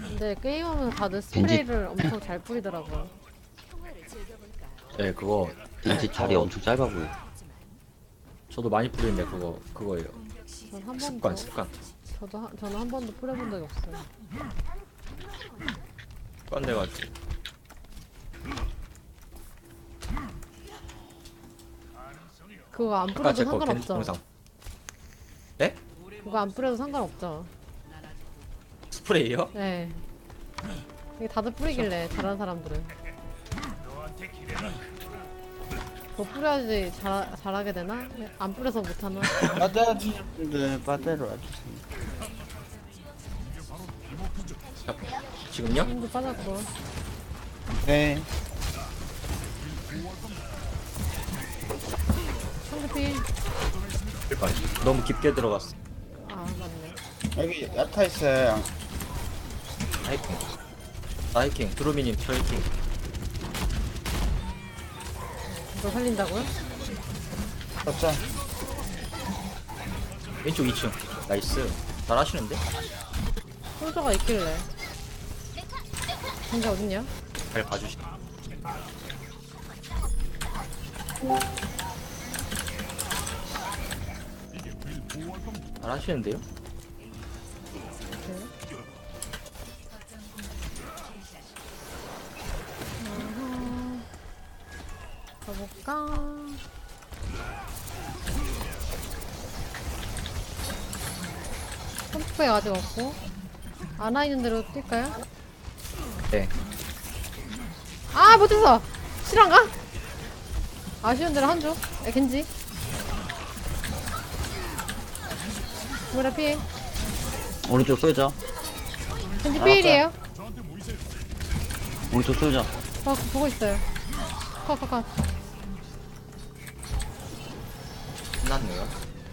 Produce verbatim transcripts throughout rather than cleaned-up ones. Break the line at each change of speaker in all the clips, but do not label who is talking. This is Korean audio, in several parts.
근데 게임하면서 다들 스프레이를 엄청 잘 뿌리더라고요.
네, 그거
왠지 자리
어,
엄청 짧아 보여.
저도 많이 뿌리는데 그거 그거예요.
전 한
습관
번도
습관
저도 한, 저는 한 번도 뿌려본 적이 없어요.
습관 돼가지고.
그거 안
아까
뿌려도
제거 겐지
상관없죠.
영상. 네?
그거 안 뿌려도 상관없죠.
스프레이요?
네. 이게 다들 뿌리길래 잘하는 사람들은 그거 뿌려야지 잘 잘하게 되나? 안 뿌려서 못하나?
빠져주실 분들 빠져로 와주세요.
자, 지금요?
힘도 빠졌고.
네.
상대피.
그러니까 너무 깊게 들어갔어.
아 맞네.
여기 야타 있어요.
하이킹. 하이킹. 드로미님 트레이킹.
이걸 살린다고요?
맞죠?
왼쪽 이 층. 나이스. 잘하시는데?
솔저가 있길래. 진짜 어딨냐?
잘 봐주시. 잘하시는데요?
네. 어허. 가볼까? 펌프백 아직 없고. 아나 있는 대로 뛸까요?
네.
아 못했어! 실한가? 아쉬운 대로 한조. 에 겐지. 뭐라 피해.
오른쪽 쏠자.
겐지 피일이에요.
오른쪽 쏠자.
어, 보고 있어요. 컷, 컷, 컷.
끝났네요.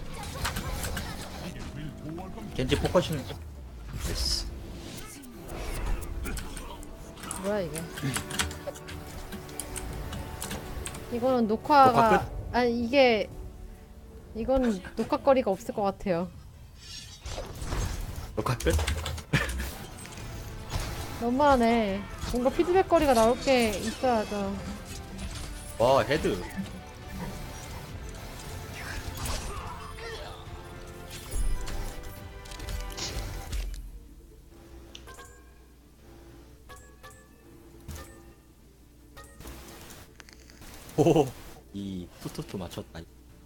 겐지 포커싱. 됐어.
뭐야, 이게. 이거는 녹화가.
녹화
아니, 이게. 이거는 녹화거리가 없을 것 같아요.
녹화 끝?
너무하네. 뭔가 피드백 거리가 나올 게 있어야죠.
와, 헤드. 오, 이 투투투 맞췄다.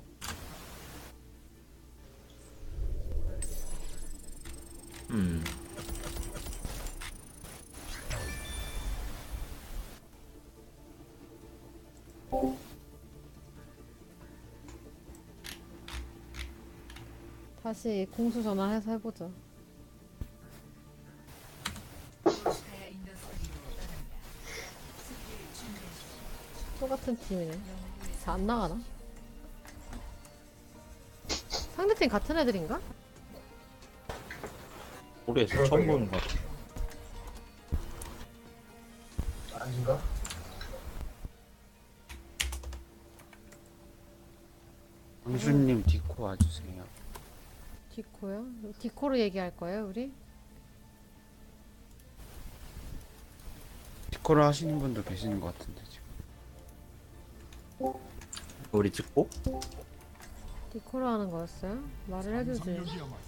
음.
다시 공수 전화해서 해보죠. 똑같은 팀이네. 잘 안 나가나? 상대팀 같은 애들인가?
모르겠어. 처음 보는 거 같아.
강수님 디코 와주세요.
디코요? 디코로 얘기할 거예요, 우리?
디코를 하시는 분도 계시는 것 같은데 지금.
우리 찍고?
디코로 하는 거였어요? 말을 해주지.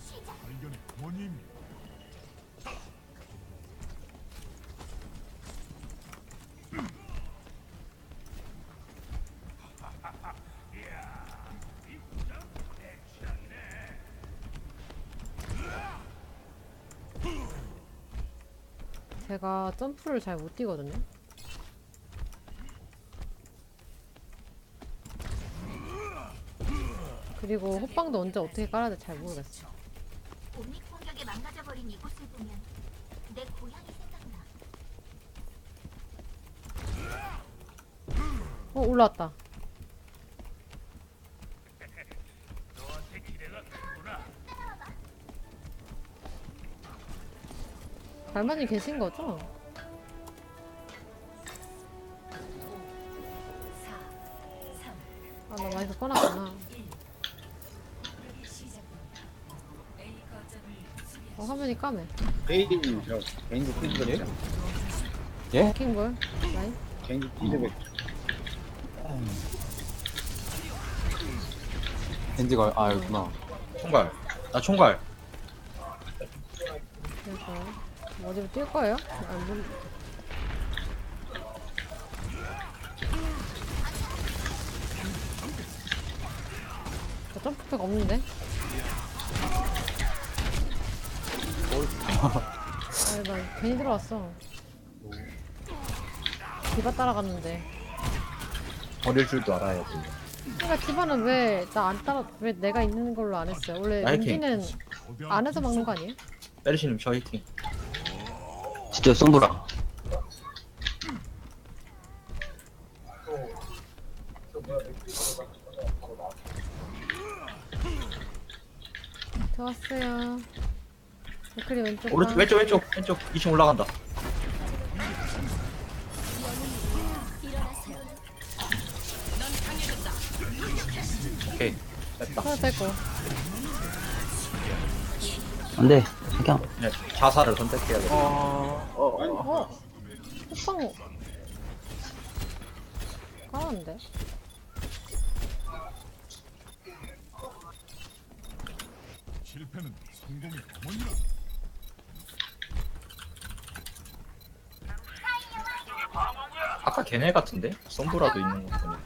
제가 점프를 잘 못 뛰거든요. 그리고 호빵도 언제 어떻게 깔아야 될지 잘 모르겠어.
옴닉 공격에 망가져버린 이곳을 보면 내 고향이 생각나.
어, 올라왔다. 갈마님 계신 거죠? 아, 나 마이크 꺼놨구나. 어, 화면이 까매.
개인님 저 개인도 피드백 좀.
예?
킹볼. 라인.
개인도 피드백.
겐지가 아 여기구나.
총괄. 나 총괄.
그래서 어디로 뛸 거예요? 안 본. 나 점프백 없는데? 아니 나 괜히 들어왔어. 디바 따라갔는데.
버릴 줄도 알아야지.
그러니까 디바는 왜 나 안 따라 왜 내가 있는 걸로 안 했어요? 원래
나이킹.
렌지는 안에서 막는 거 아니에요?
메르시님 저 히팅.
진짜 썸브라.
좋았어요. 댓글이 왼쪽.
오른쪽
방.
왼쪽 왼쪽 왼쪽 이 층 올라간다. 오케이 됐다.
하나 뺄거.
안 돼. 그냥.
네, 자살을 선택해야 돼.
어? 호빵 까는데?
실패는 성공의 어머니라.
아까 걔네 같은데? 썸브라도 있는 거 보니.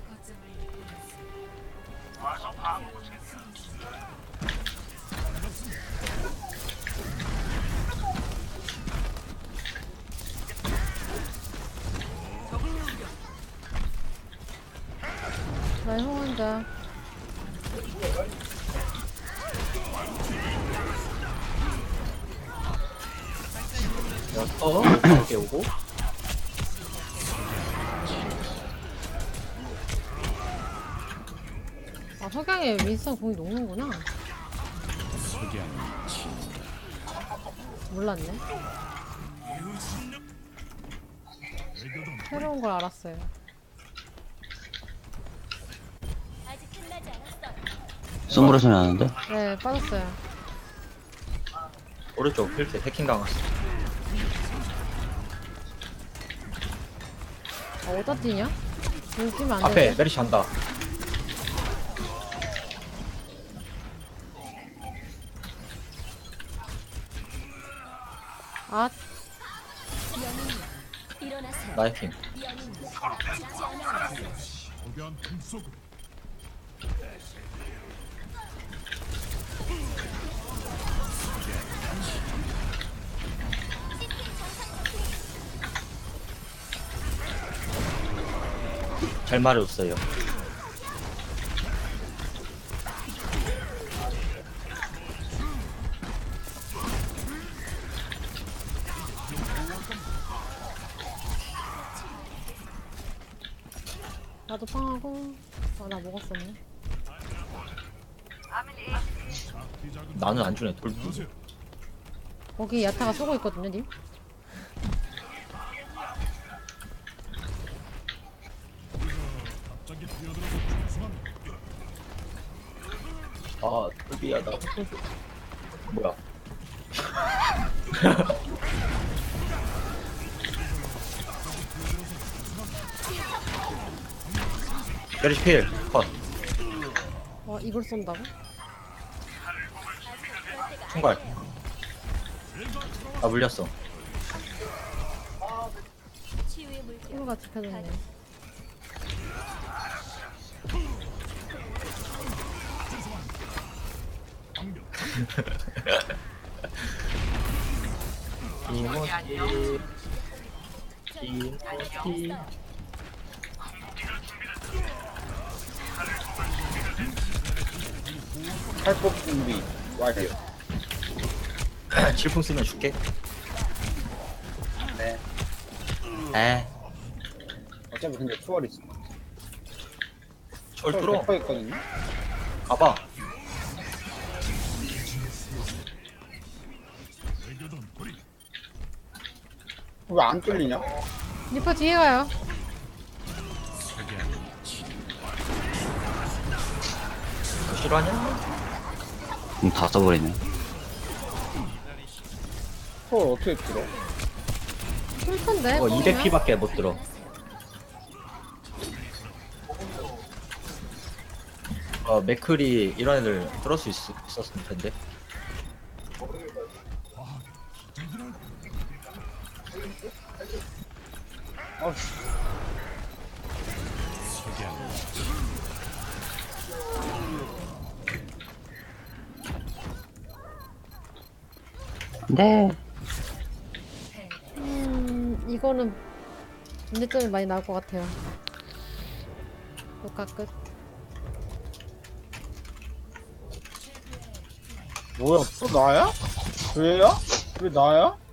나의 홍원자.
어? 이렇게 오고.
아 석양에 윈스턴 공이 녹는구나. 몰랐네. 새로운 걸 알았어요.
아직 끝나지 않았어요.
썸브라 소리 나는데?
네 빠졌어요.
오른쪽 필트 해킹 당했어.
아 어디다 뛰냐? 여기 뛰면 안
앞에
되네.
메르시 한다.
아
일어나세요.
나이킹.
거대한 틈 속으로
잘 말해줬어요.
나도 팡하고. 아 나 먹었었네.
나는 안 주네. 돌.
보세요.
거기 야타가 쏘고 있거든요, 님.
갑자기 뛰어들어서 중수한
아, 돌비야 나. 뭐야? 메르시 필 컷.
와 이걸 쏜다고?
총괄. 나 물렸어.
치유의 물결.
친구가 지켜줬네.
이모티. 이모티.
탈법 준비 완료.
칠풍 쓰면 줄게.
네.
에.
어차피 근데 초월 있어.
철 뚫어.
백 퍼센트 있거든요.
가봐.
외교던 거리
왜 안 뚫리냐?
리퍼 뒤에 가요.
싫어하냐?
음, 다 써버리네.
초월 어떻게 들어?
꿀텐데?
어 이백 피밖에 못 들어. 어 맥클이 이런 애들 뚫을 수 있, 있었을 텐데.
아씨.
네.
음, 이거는 문제점이 많이 나올 것 같아요. 녹화 끝.
뭐야? 또 나야? 왜야? 왜 나야?